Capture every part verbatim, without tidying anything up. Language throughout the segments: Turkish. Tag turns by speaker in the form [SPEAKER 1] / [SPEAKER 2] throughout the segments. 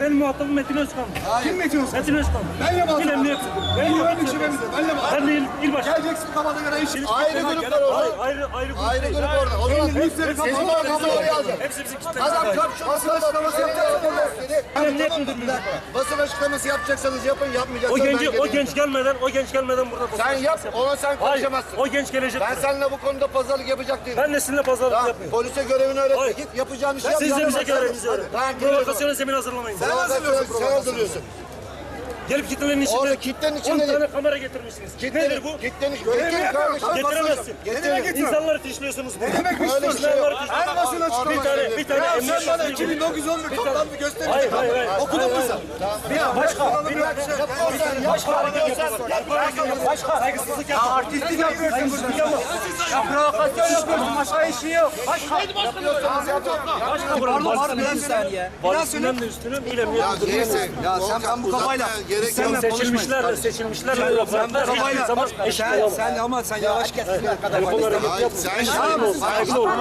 [SPEAKER 1] benim muhatabım Metin Özkan.
[SPEAKER 2] Kim Metin Özkan?
[SPEAKER 1] Metin Özkan.
[SPEAKER 2] Benle muhatap.
[SPEAKER 1] İl emniyet.
[SPEAKER 2] Ben güvenlik şubemizde. Benle muhatap.
[SPEAKER 1] Ben de il, il başkanı.
[SPEAKER 2] Geleceksin kafana göre iş.
[SPEAKER 3] Ayrı gruplar orada.
[SPEAKER 1] Hayır, ayrı, ayrı grup
[SPEAKER 3] Ayrı
[SPEAKER 1] değil.
[SPEAKER 3] grup orada. O zaman
[SPEAKER 2] Müşteri
[SPEAKER 3] sizin
[SPEAKER 2] kapalı.
[SPEAKER 3] kafaları yazacak.
[SPEAKER 1] Hepsi bizim kitle.
[SPEAKER 3] Adam basın açıklaması yapacaksanız
[SPEAKER 1] Emniyet müdürlüğü.
[SPEAKER 3] basın açıklaması yapacaksanız yapın,
[SPEAKER 1] O
[SPEAKER 3] yapmayacaksanız
[SPEAKER 1] genci,
[SPEAKER 3] ben
[SPEAKER 1] o
[SPEAKER 3] geleyim.
[SPEAKER 1] genç gelmeden, o genç gelmeden burada
[SPEAKER 3] Sen yap, ona sen
[SPEAKER 1] Hayır,
[SPEAKER 3] konuşamazsın.
[SPEAKER 1] o genç gelecek.
[SPEAKER 3] Ben seninle bu konuda pazarlık yapacak değilim.
[SPEAKER 1] Ben de sizinle pazarlık
[SPEAKER 3] Tamam,
[SPEAKER 1] yapıyorum.
[SPEAKER 3] polise görevini öğretme.
[SPEAKER 1] Hayır.
[SPEAKER 3] Git yapacağın işi yap.
[SPEAKER 1] Siz de bize
[SPEAKER 3] yapamazsan-
[SPEAKER 1] görevinizi öğretin.
[SPEAKER 3] Tamam, geliyorum.
[SPEAKER 1] Provokasyona zemin hazırlamayın.
[SPEAKER 3] Sen hazırlıyorsun. Sen hazırlıyorsun.
[SPEAKER 1] Gelip kitlenin içinde
[SPEAKER 3] Orada kitlenin içinde
[SPEAKER 1] on
[SPEAKER 3] değil.
[SPEAKER 1] tane kamera getirmişsiniz. Nedir bu?
[SPEAKER 3] Kitlenin Getirin kardeşim.
[SPEAKER 1] Getiremezsin.
[SPEAKER 3] Getirin.
[SPEAKER 1] İnsanları fişliyorsunuz.
[SPEAKER 2] Ne demek
[SPEAKER 3] Öyle
[SPEAKER 2] istiyorsun?
[SPEAKER 3] şey yok.
[SPEAKER 2] Her basın açıklaması.
[SPEAKER 1] Bir tane, bir tane
[SPEAKER 2] Ya
[SPEAKER 1] emniyet
[SPEAKER 2] sen bana
[SPEAKER 1] müdürü gibi.
[SPEAKER 2] iki bin dokuz yüz on bir toplantı göstereceksin.
[SPEAKER 1] Hayır, hayır, hayır.
[SPEAKER 2] Okudun mu sen?
[SPEAKER 1] Ya başka, bir
[SPEAKER 2] Başka. Saygısızlık yapma. Artistlik yapıyorsun burada. Ya provokasyon yapıyorsun. Başka işi yok. Başka.
[SPEAKER 3] Yapıyorsanız yapın.
[SPEAKER 1] başka buranın valisinden de, valisinden de üstünüm, il emniyet müdürlüğünden de
[SPEAKER 3] Neyse.
[SPEAKER 2] Ya sen ben bu kafayla.
[SPEAKER 3] Gerek yok.
[SPEAKER 1] seçilmişlerle, seçilmişlerle
[SPEAKER 2] Sen
[SPEAKER 1] laflar
[SPEAKER 2] bu
[SPEAKER 1] hiçbir zaman
[SPEAKER 2] kafayla.
[SPEAKER 1] eşit
[SPEAKER 2] Sen,
[SPEAKER 1] olamaz.
[SPEAKER 2] sen ama sen yavaş git.
[SPEAKER 1] Telefonlara git
[SPEAKER 3] Hayır,
[SPEAKER 1] yap.
[SPEAKER 3] sen
[SPEAKER 1] Saygılı olun, saygılı olun.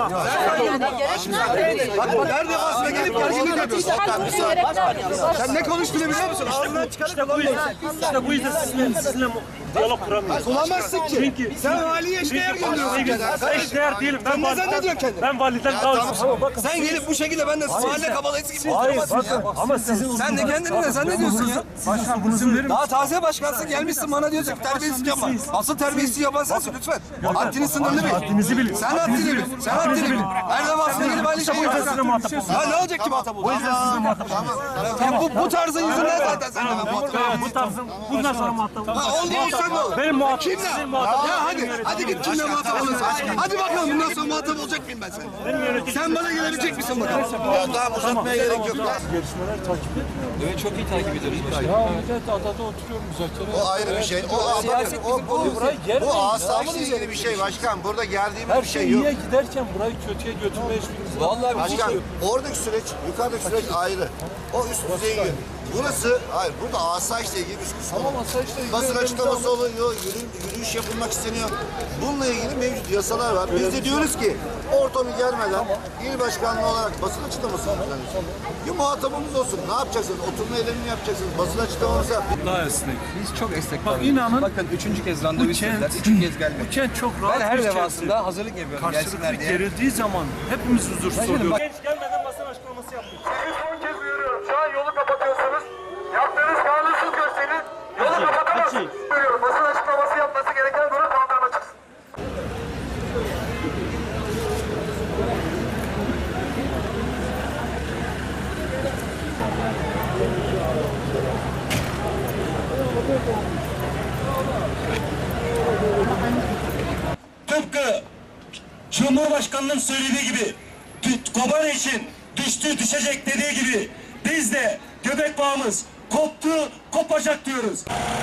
[SPEAKER 2] Bak her defasında gelip gerginlik yapıyorsun. Sen ne konuştuğunu biliyor musun? Ağzından çıkarıp
[SPEAKER 1] İşte bu yüzden, işte bu yüzden sizinle, sizinle diyalog kuramıyoruz.
[SPEAKER 2] bulamazsın ki.
[SPEAKER 1] Çünkü
[SPEAKER 2] Sen valiye eşdeğer gönderiyorsun.
[SPEAKER 1] eşdeğer değilim. Ben
[SPEAKER 2] Sen ne
[SPEAKER 1] validen,
[SPEAKER 2] zannediyorsun kendini?
[SPEAKER 1] ben validen kaldım. Ama bakın.
[SPEAKER 2] Sen gelip bu şekilde ben de mahalle kabalayısı gibi
[SPEAKER 1] Hayır
[SPEAKER 2] oturamazsın ya.
[SPEAKER 1] bakın ama sizin
[SPEAKER 2] Sen de kendini ne zannediyorsun ya? Daha taze başkansın gelmişsin bana diyorsun ki terbiyesizlik yapma. Asıl terbiyesizlik yapan sensin lütfen. Haddini sınırlı bil.
[SPEAKER 1] Haddinizi bilin.
[SPEAKER 2] Sen haddini bil. Sen haddini bil. Her defasında gelip aynı şeyi
[SPEAKER 1] Bu yüzden sizinle
[SPEAKER 2] yapıyorsun.
[SPEAKER 1] muhatap oldum.
[SPEAKER 2] Ya ne olacak ki muhatap
[SPEAKER 1] O
[SPEAKER 2] oldu?
[SPEAKER 1] yüzden sizinle muhatap oldum.
[SPEAKER 2] Ya bu, bu tarzın yüzünden zaten sen de muhatap
[SPEAKER 1] Ya bu tarzın bundan sonra muhatap oldum.
[SPEAKER 2] Ha oldu olsan ne olur?
[SPEAKER 1] Benim muhatap,
[SPEAKER 2] Kimle?
[SPEAKER 1] sizin muhatap.
[SPEAKER 2] Ya hadi, hadi git kimle muhatap olursun. Hadi bakalım bundan sonra muhatap olacak mıyım ben seninle? Sen bana gelebilecek misin bakalım?
[SPEAKER 3] Ya tamam uzatmaya gerek yok.
[SPEAKER 4] Gelişmeler takip ediyor.
[SPEAKER 5] Evet çok iyi takip ediyoruz başkanım.
[SPEAKER 4] Ya evet adada oturuyorum müzakere.
[SPEAKER 3] O ayrı bir şey. O,
[SPEAKER 5] Siyaset
[SPEAKER 3] bakın, o,
[SPEAKER 5] bizim
[SPEAKER 3] bu,
[SPEAKER 5] konu.
[SPEAKER 4] Burayı germeyin.
[SPEAKER 3] bu asayişle ilgili bir şey başkan. Burada geldiğimiz
[SPEAKER 4] Her
[SPEAKER 3] bir
[SPEAKER 4] şey
[SPEAKER 3] şey yok.
[SPEAKER 4] iyiye giderken burayı kötüye götürme hiçbirimiz.
[SPEAKER 5] Vallahi bir
[SPEAKER 3] Başkan oradaki süreç, yukarıdaki süreç ayrı. O üst düzey yön. Burası, hayır burada asayişle ilgili bir kısmı.
[SPEAKER 4] Tamam asayişle ilgili
[SPEAKER 3] Basın
[SPEAKER 4] yerlerimizi
[SPEAKER 3] açıklaması
[SPEAKER 4] alın.
[SPEAKER 3] oluyor, yürü, yürüyüş yapılmak isteniyor. Bununla ilgili mevcut yasalar var. Biz de diyoruz ki ortamı gelmeden il başkanlığı olarak basın açıklaması yapacağız. Bir muhatabımız olsun. Ne yapacaksınız? Oturma eylemini yapacaksınız. Basın açıklaması yap.
[SPEAKER 4] Daha esnek.
[SPEAKER 5] Biz çok esnek
[SPEAKER 4] Bak
[SPEAKER 5] kaldık.
[SPEAKER 4] inanın
[SPEAKER 5] Bakın üçüncü kez randevu istediler. Üçüncü kez gelmedi.
[SPEAKER 4] bu kent çok rahat
[SPEAKER 5] Ben her
[SPEAKER 4] bir
[SPEAKER 5] defasında
[SPEAKER 4] kentti.
[SPEAKER 5] hazırlık yapıyorum
[SPEAKER 4] Karşılıklı
[SPEAKER 5] gelsinler diye.
[SPEAKER 4] gerildiği zaman hepimiz huzursuz oluyoruz.
[SPEAKER 1] Genç gelmeden basın açıklaması yaptık.
[SPEAKER 6] Sizi son kez uyarıyorum. Şu an yolu kapatıyorsunuz. Yaptığınız kanunsuz gösteri yolu kapatamazsınız. Uyarıyorum. Basın açıklaması yapması gereken durum kaldırma çıksın.
[SPEAKER 7] Tıpkı Cumhurbaşkanı'nın söylediği gibi dü- Kobane için düştü düşecek dediği gibi biz de göbek bağımız koptu kopacak diyoruz.